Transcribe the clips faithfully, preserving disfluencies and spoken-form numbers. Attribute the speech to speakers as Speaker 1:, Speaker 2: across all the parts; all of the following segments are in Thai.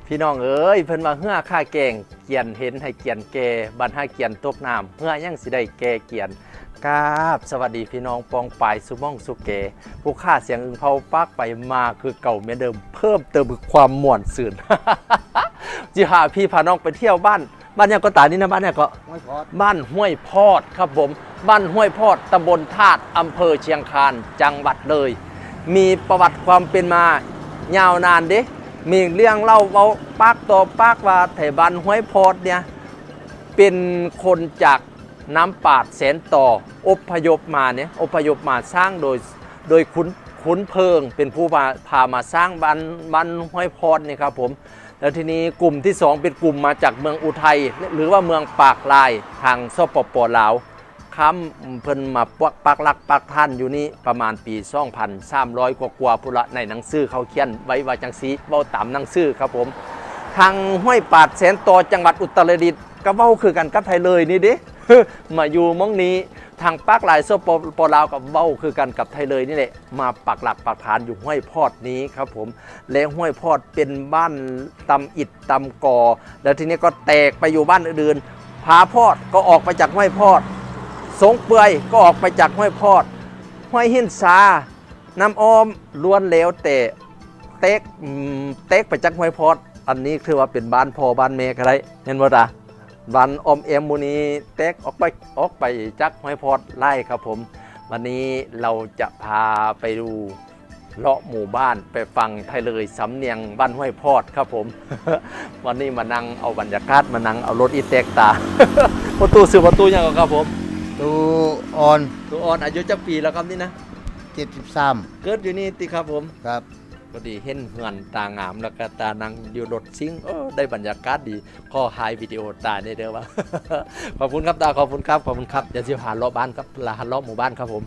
Speaker 1: พี่น้องเอ้ยเพิ่นว่าเหือค่าแกงเกียนเห็นให้เกียนแก่บัดหาเกียนตกน้ำเหือยังสิได้แก่เกียนกราบสวัสดีพี่น้องปองปายสุม่องสุเกผู้ค่าเสียงอึงเผาปักไปมาคือเก่าเหมือนเดิมเพิ่มเติมความม่วนซื่น จิหาพี่พาน้องไปเที่ยวบ้านบ้านเนี่ยก็ตานี่นะบ้านเนี่ยก็บ้านห้วยพอดครับผมบ้านห้วยพอดตำบลธาตุอำเภอเชียงคานจังหวัดเลยมีประวัติความเป็นมายาวนานเด้มีเรื่องเล่าเว้าปากต่อปากว่าแถวบ้านห้วยพอดเนี่ยเป็นคนจากน้ำปาดแสนต่ออพยพมาเนี่ยอพยพมาสร้างโดยโดยขุนขุนเพิงเป็นผู้พาพามาสร้างบ้านบ้านห้วยพอดนี่ครับผมแล้วทีนี้กลุ่มที่สองเป็นกลุ่มมาจากเมืองอุทัยหรือว่าเมืองปากลายทางสปปลาวค้ำเพิ่นมาปักปักลักปักท่านอยู่นี่ประมาณปีสองพันสามร้อยกว่ากว่าพุละในหนังสือเขาเขียนไว้ว่าจังสีเว้าตามหนังสือครับผมทางห้วยปาดแสนต่อจังหวัดอุตรดิตถ์ก็เว้าคือกันกับไทยเลยนี่เด้ มาอยู่มองนี้ทางปากลายสปปลาวกับเว้าคือกันกับไทยเลยนี่แหละมาปักหลักปักฐานอยู่ห้วยพอดนี้ครับผมและห้วยพอดเป็นบ้านตำอิฐตำกอแล้วทีนี้ก็แตกไปอยู่บ้านอื่นๆผาพอดก็ออกไปจากห้วยพอดสงเปื่อยก็ออกไปจากห้วยพอดห้วยหินซาน้ำอ้อมล้วนแล้วแต่เต็กเต็กไปจากห้วยพอดอันนี้คือว่าเป็นบ้านพ่อบ้านแม่อะไรเห็นบ่ล่ะบ้านอมเอ็มมูนีเต็กออกไปออกไปจากห้วยพอดไล่ครับผมวันนี้เราจะพาไปดูเลาะหมู่บ้านไปฟังไทยเลยสำเนียงบ้านห้วยพอดครับผม วันนี้มานั่งเอาบรรยากาศมานั่งเอารถอีเต็กตา ประตูสื่อประตูยังครับผม
Speaker 2: ตูออน
Speaker 1: ตูออนอายุจะปีแล้วครับนี่นะ
Speaker 2: เจ็ดสิบสาม
Speaker 1: เกิดอยู่นี่ติครับผม
Speaker 2: ครับ
Speaker 1: พอดีเห็นเหือนตางามแล้วก็ตานังอยู่รถซิ่งโอ้ได้บรรยากาศดีข้อไฮวิดีโอตาได้เด้อว่า ขอบคุณครับตาขอบคุณครับขอบคุณครับเดี๋ยวจะพาเลาะบ้านครับลาเลาะหมู่บ้านครับผม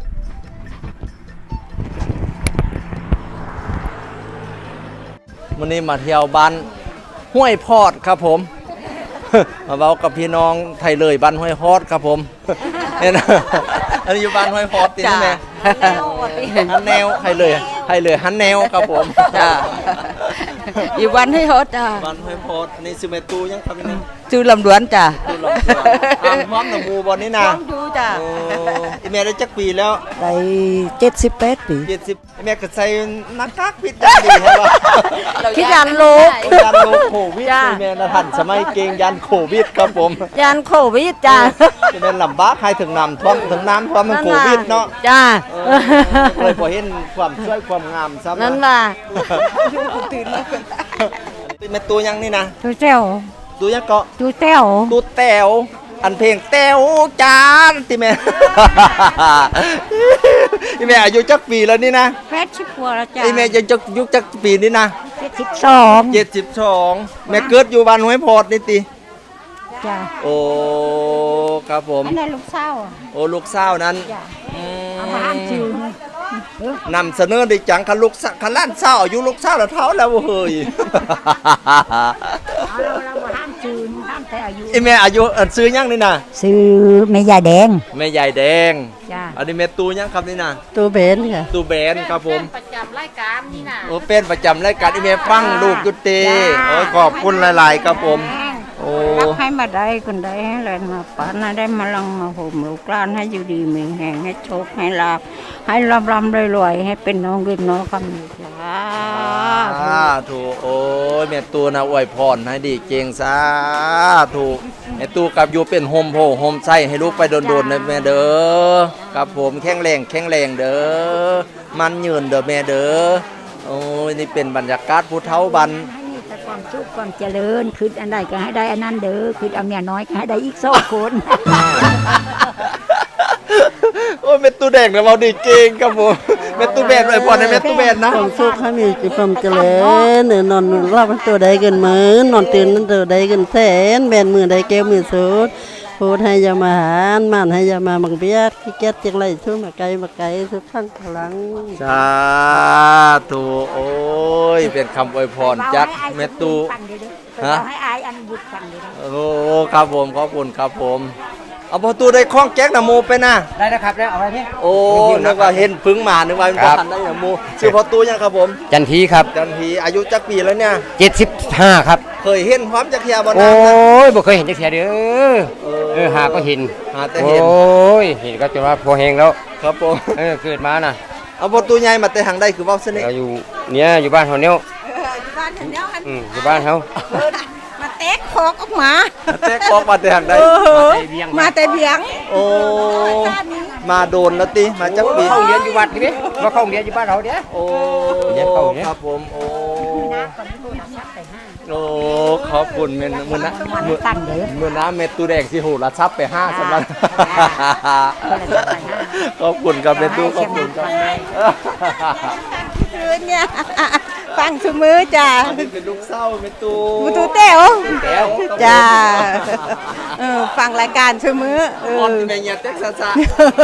Speaker 1: วันนี้มาเที่ยวบ้านห้วยพอดครับผม มาเว้ากับพี่น้องไทยเลยบ้านห้วยพอดครับผมเนี่ยนะอันนี้อยู่บ้านห้วยพอดตีนี่แม่ฮันแนวไทยเลยไทยเลยฮันแนวครับผม
Speaker 3: จ้าอยู่บ้านห้วยพอดจ้า
Speaker 1: บ้านห้วยพอดนี่ซื้อเมตูยังครับนี่
Speaker 3: ชื่อลำดวนจ้า
Speaker 1: ชื่อลำดวนอ่างพร้อมหนูมูบอลนี่นะ
Speaker 3: พร้อมดูจ้า
Speaker 1: อีเมลได้จักปีแล้ว
Speaker 3: ได้เจ็ดสิบแปดปี
Speaker 1: เจ็ดสิบอีเมลก็ใส่นักทักพิษได้ดีใช่ป่ะ
Speaker 3: คิดยันโลก
Speaker 1: ยันโลกโควิดอีเมลนะท่านสมัยเก่งยันโควิดครับผม
Speaker 3: ยันโควิดจ้า
Speaker 1: อีเมลลำบากให้ถึงน้ำท่วมถึงน้ำท่วมมันโควิดเนาะ
Speaker 3: จ้า
Speaker 1: เลยพอเห็นความสวยความงามซ้ำ
Speaker 3: นั่นว่า
Speaker 1: ตื่นแล้วเป็นเมตูยังนี่นะ
Speaker 3: ตูเจ้า
Speaker 1: ตูยังเกาะ
Speaker 3: ตูเต้ว
Speaker 1: ตูแต้วอันเพลงแต้วจานที่แม่ที่แม่อายุจักปีแล้วนี่นะ
Speaker 3: แปดสิบกว่าแล้วจ้า
Speaker 1: ไอแม่ยังจักยุคจักปีนี่นะ
Speaker 3: เจ็ดสิบสอง
Speaker 1: เจ็ดสิบสองแม่เกิดอยู่บ้านห้วยพอดนี่ติ
Speaker 3: จ้า
Speaker 1: โอ้ครับผม
Speaker 3: อันนั้นลูกสาว
Speaker 1: โอ้ลูกสาวนั้น
Speaker 3: เอามาอ่านชื่
Speaker 1: อนำเสนอได้จังคันลูกคันล้านสาวอายุลูกสาวแล้วเท่าแล้วเฮ้ย
Speaker 3: เราเรามาห้ามชื่อห้ามแต่อายุ
Speaker 1: ไอแม่อายุซื้อยังนี่นะ
Speaker 3: ซื้อแม่ยายแดง
Speaker 1: แม่ยายแดง
Speaker 3: จ้า
Speaker 1: อันนี้แม่ตูยังครับนี่นะ
Speaker 3: ตูเบนค่ะ
Speaker 1: ตูเบนครับผม
Speaker 3: ประจำรายการนี่นะ
Speaker 1: โอ้เป็นประจำรายการไอแม่ฟังลูกยุติโอ้ขอบคุณหลายๆครับผมโอ้
Speaker 3: รักให้มาได้คนได้ให้แรงมาปานได้มาลังมาห่มลูกหลานให้อยู่ดีมีแห่งให้โชคให้ลาภให้ร่ำร่ำรวยๆให้เป็นน้องเรียนน้องคำนี้จ้า
Speaker 1: ถูกโอ้ยแม่ตูนะอวยพรให้ดีเก่งซะถูกแม่ตูกับอยู่เป็นโฮมโพโฮมไส้ให้ลูกไปโดนๆนะแม่เด้อกับผมแข็งแรงแข็งแรงเด้อมันยืนเด้อแม่เด้อโอ้ยนี่เป็นบรรยากาศผู้เฒ่าบัน
Speaker 3: ความสุขความเจริญคืออันใดก็ให้ได้อันนั้นเด้อคือเอาเมียน้อยก็ให้ได้อีกสองคน
Speaker 1: โอ้ยเม็ดตูแดงนะเราดีเก่งครับผมเม็ดตูแบนเลยพอในเม็ดตูแบนนะ
Speaker 2: ความสุขให้มีความเจริญเนี่ยนอนรับมันตัวใดเกินหมื่นนอนตื่นนั้นตัวใดเกินแสนแบนมือใดแก้วมือสุดพูดให้ยามาหารมันให้ยามาบังเบียดขี้เกียจจังไรช่วยมาไกลมาไกลทุกขั้นพลัง
Speaker 1: สาธุโอ้ยเป็นคำอวยพรจากเม็ดตู
Speaker 3: ฮะให้อายอันบุญฟังเลย
Speaker 1: โอ้ครับผมขอบคุณครับผมเอาประตูได้คล้องแก๊กนะโมไปนะ
Speaker 4: ได้แล้วครับแล้วเอาไว้พี่
Speaker 1: โอ้นึกว่าเห็นพึ่งมานึกว่าเป็น
Speaker 4: ครับ
Speaker 1: ทันได้นะโมชื่อประตูยังครับผม
Speaker 4: จันทีครับ
Speaker 1: จันทีอายุจักปีแล้วเนี่ย
Speaker 4: เจ็ดสิบห้าครับ
Speaker 1: เคยเห็นพร้อมจักเทียบน
Speaker 4: โอ้
Speaker 1: น้ำนะ
Speaker 4: ยบ่เคยเห็นจักเทียเด้อเออหาก็เห็น
Speaker 1: หาแต่เห็น
Speaker 4: โอ้ยเห็นก็จนว่าพอแหงแล้ว
Speaker 1: ครับผม
Speaker 4: เออเกิดมาน่ะ
Speaker 1: เอาประตูใหญ่มาแต่หางได้คือเว่าสนิท
Speaker 4: เราอยู่เนี่ยอยู่บ้านเฮาเนี่ย
Speaker 3: อยู่บ้านฉันเนี่ย
Speaker 4: อืมอยู่บ้านเฮา
Speaker 3: มาเต๊กคอกออกมา
Speaker 1: เตะกอกมาแต่หางได้
Speaker 3: มาแต่เบียง
Speaker 1: โอ้มาโดนแล้วติมาจักปี
Speaker 4: เข้าเรียนอยู่วัดนี่บ่เข้าเรียนอยู่บ้านเราเด้อ
Speaker 1: โอ้
Speaker 4: เดี๋ยวเข้าเนี่ย
Speaker 1: ครับผมโอ้โอ้ขอบคุณเมนมือนะมือ
Speaker 3: ตั้งเด้อ
Speaker 1: มือน้ำเม็ดตูแดงสิหูละซับไปห้าสำหรับขอบคุณครับเม็ดตูขอบคุณครับ
Speaker 3: คืนเนี่ยฟังชุมือจ้า
Speaker 1: อันนี้เป็นลูกเศร้าเม็ดตู
Speaker 3: บูตูเต้ว
Speaker 1: แก้ว
Speaker 3: จ้าเออฟังรายการชุมือเอ
Speaker 1: ออน
Speaker 3: อ
Speaker 1: เป็นยาเต็กซ่า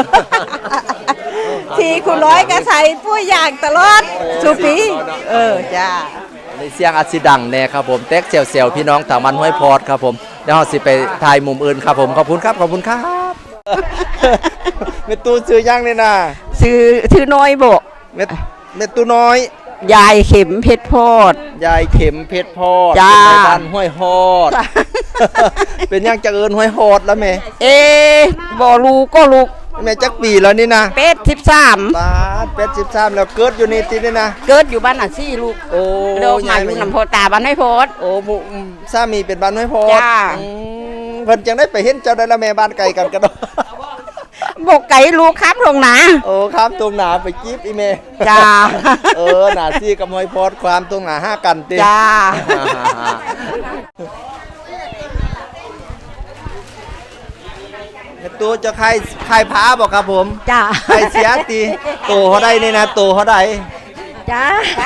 Speaker 3: ทีคุณร้อยก็ใส่ปุ้ยอย่างตลอดสุปีเออจ้า
Speaker 1: ในเสียงอาจสิดังแน่ครับผมเต็กเซลเซลพี่น้องต่างมันห้วยพอดครับผมเดี๋ยวเราสิไปถ่ายมุมอื่นครับผมขอบคุณครับขอบคุณครับเม็ดตูซื้อย่างเลยนะ
Speaker 3: ชื่อชื่อน้อยโบ
Speaker 1: เม็ดเม็ดตูน้อย
Speaker 3: ยายเข็มเพชรโพด
Speaker 1: ยายเข็มเพชรพอด
Speaker 3: จ้า
Speaker 1: เป็นในบ้านห้วยฮอด เป็นยังจะเอินห้วยฮอดแล้วแม่
Speaker 3: เอ๊ะบ่รู้ก็ลูก
Speaker 1: แม่จักปีแล้วนี่นะ
Speaker 3: เป็ดสิบสาม
Speaker 1: บาทเป็ดสิบสามแล้วเกิดอยู่นี่ตินี่นะ
Speaker 3: เกิดอยู่บ้านอ่ะซี่ลูก
Speaker 1: โอ้
Speaker 3: โดมาอยู่น้ำโพตาบ้านให้โพด
Speaker 1: โอ้หมู่อืมสามีเป็นบ้านห้วยฮอด
Speaker 3: จ้า
Speaker 1: อืมเพิ่นจังได้ไปเห็นเจ้าได้ละแม่บ้านไกลกันกันเนาะ
Speaker 3: บกไก่ลูกครับลงนะ
Speaker 1: โอ้ครับตรงหนาไปจีบอีเม
Speaker 3: จ้า
Speaker 1: เออหนาซี่กับห้วยพอดความตรงหนาห้ากันติ
Speaker 3: จ้า
Speaker 1: ตัวจะใครใครพาบอกครับผม
Speaker 3: จ้า
Speaker 1: ใครเสียตีโตเขาได้นี่นะโตเขาได้
Speaker 3: จ้า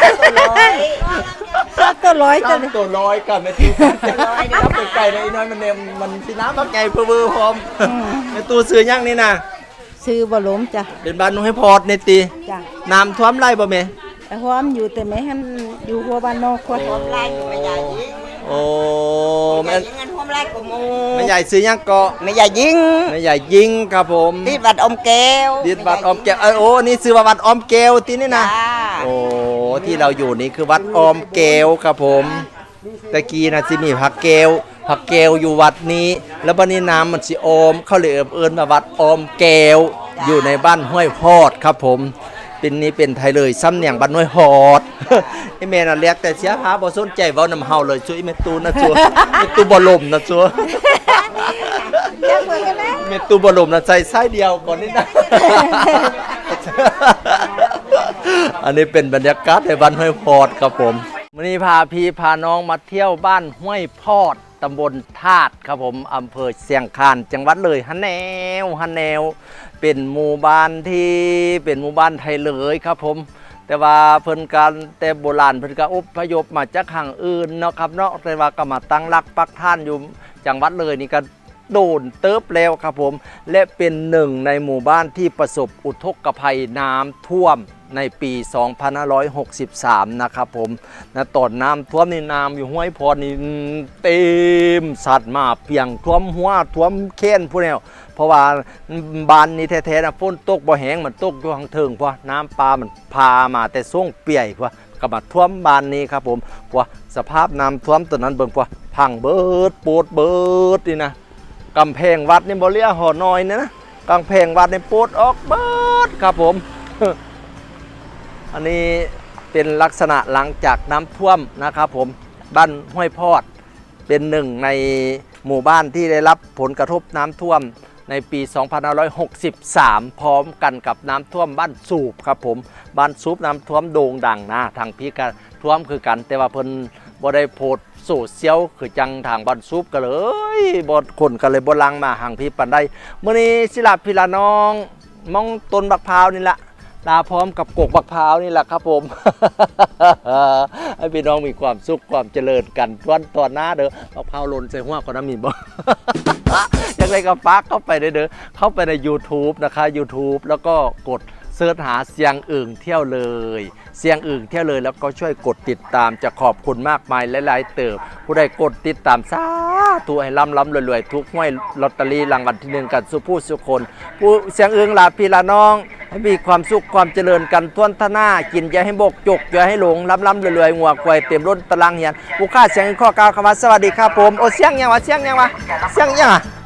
Speaker 3: ตัวร้อยตัว
Speaker 1: ตั้งตัวร้อยกับแม่ตู้ถ้าเป็นไก่ในน้อยมันเนี่ยมันสิน้ำพักไก่เพื่อเพื่อพร้อมแม่ตู้ซื้อย่างนี่นะ
Speaker 3: ซื้อบล้มจ้ะ
Speaker 1: เป็นบ้านนุ่งให้พอดในตี
Speaker 3: จ้า
Speaker 1: น้ำท่วมไร่บ่แม่
Speaker 3: แต่หอมอยู่แต่ไม่หันอยู่หัวบ้านนอกคนหอมไร่ไม่ใหญ่ยิง
Speaker 1: โอ้แม่
Speaker 3: เงินหอมไร่กับมู
Speaker 1: แม่ใหญ่ซื้อย่างเกาะ
Speaker 3: ไม่ใหญ่ยิง
Speaker 1: แม่ใหญ่ยิงครับผม
Speaker 3: ที่บัดอมแก้ว
Speaker 1: ดิดบัดออมแก้วเออโอ้นี่ซื้อว่าวัดออมแก้วที่นี่นะ
Speaker 3: จ้า
Speaker 1: โอ้ที่เราอยู่นี่คือวัดออมแก้วครับผมตะกี้นะสิมีผักแก้วผักแก้วอยู่วัดนี้ แล้วบัดนี้น้ำมันสิออมเขาเลยเอิ้นมาวัดออมแก้วอยู่ในบ้านห้วยพอดครับผมเป็นนี้เป็นไทยเลยซ้ำเนียงบ้านห้วยพอด ไอ้แม่น่ะเรียกแต่เสียหาบ่สนใจเว้านำเฮาเลยช่วยแม่ตูนะจัวแม่ตูบ่ลมนะจัว เม็ดตูบอลมนะใส่ไส้เดียวก่อนนี่นะ อันนี้เป็นบรรยากาศในบ้านห้วยพอดครับผมวันนี้พาพี่พาน้องมาเที่ยวบ้านห้วยพอดตำบลธาตุครับผมอำเภอเชียงคานจังหวัดเลยฮันแนวฮันแนวเป็นหมู่บ้านที่เป็นหมู่บ้านไทยเลยครับผมแต่ว่าเพิ่นการแต่โบราณเพิ่นก็อพยพมาจากทางอื่นเนาะครับเนาะแต่ว่าก็มาตั้งรักปักฐานอยู่จังหวัดเลยนี่ก็โดนเติบแล้วครับผมและเป็นหนึ่งในหมู่บ้านที่ประสบอุทกภัยน้ำท่วมในปี สองพันห้าร้อยหกสิบสาม นะครับผมนะตอนน้ำท่วมนี่น้ำอยู่ห้วยพอนี่เต็มสัตว์มาเพียงท่วมหัวท่วมแค้นผู้แนวเพราะว่าบ้านนี้แท้ๆนะฝนตกบ่แห้งมันตกอยู่ข้างเทิงเพราะน้ำปลามันพามาแต่ส่งเปียกเพราะก็มาท่วมบ้านนี้ครับผมเพราะสภาพน้ำท่วมตัวนั้นเบิ่งเพราะพังเบิดโปดเบิดนี่นะกำแพงวัดนี่บ่เรียกหอน้อยนะนะกำแพงวัดนี่โปดออกเบิดครับผม อันนี้เป็นลักษณะหลังจากน้ำท่วมนะครับผมบ้านห้วยพอดเป็นหนึ่งในหมู่บ้านที่ได้รับผลกระทบน้ำท่วมในปี สองพันห้าร้อยหกสิบสาม พร้อมกันกับน้ำท่วมบ้านสูบครับผมบ้านสูบน้ำท่วมโด่งดังนะทางพี่ก็ท่วมคือกันแต่ว่าเพิ่นบ่ได้โพสต์โซเชียลคือจังทางบ้านสูบก็เลยบ่คนก็เลยบ่ลังมาห่างพี่ปานใดมื้อนี้สิลาพี่ละน้องมองต้นบักพร้าวนี่ละลาพร้อมกับกกบักพร้าวนี่แหละครับผม ให้พี่น้องมีความสุขความเจริญกันตอนตอนหน้าเด้อบักพร้าวหล่นใส่หัวคนน้ำมีบ่ อย่างไรก็ฝากเข้าไปเด้อเข้าไปใน YouTube นะคะ YouTube แล้วก็กดสิร์ชหาเสียงอึ่งเที่ยวเลยเสียงอึ่งเที่ยวเลยแล้วก็ช่วยกดติดตามจะขอบคุณมากมายหลายๆเติบผู้ใดกดติดตามสาธุให้ร่ำร่ำรวยๆทุกห้วยลอตเตอรี่รางวัลที่หนึ่งกันสุผู้สุคนผู้เสียงอึ่งลาพี่ลาน้องให้มีความสุขความเจริญกันทวนทนากินอย่าให้บกจกอย่าให้หลงร่ำร่ำรวยๆงัวควายเต็มรถตารางเหียนผู้ค่าเสียงอึ่งข้อกล่าวคำว่าสวัสดีครับผมโอ้เสียงยังวะเสียงยังวะเสียงยังอ่ะ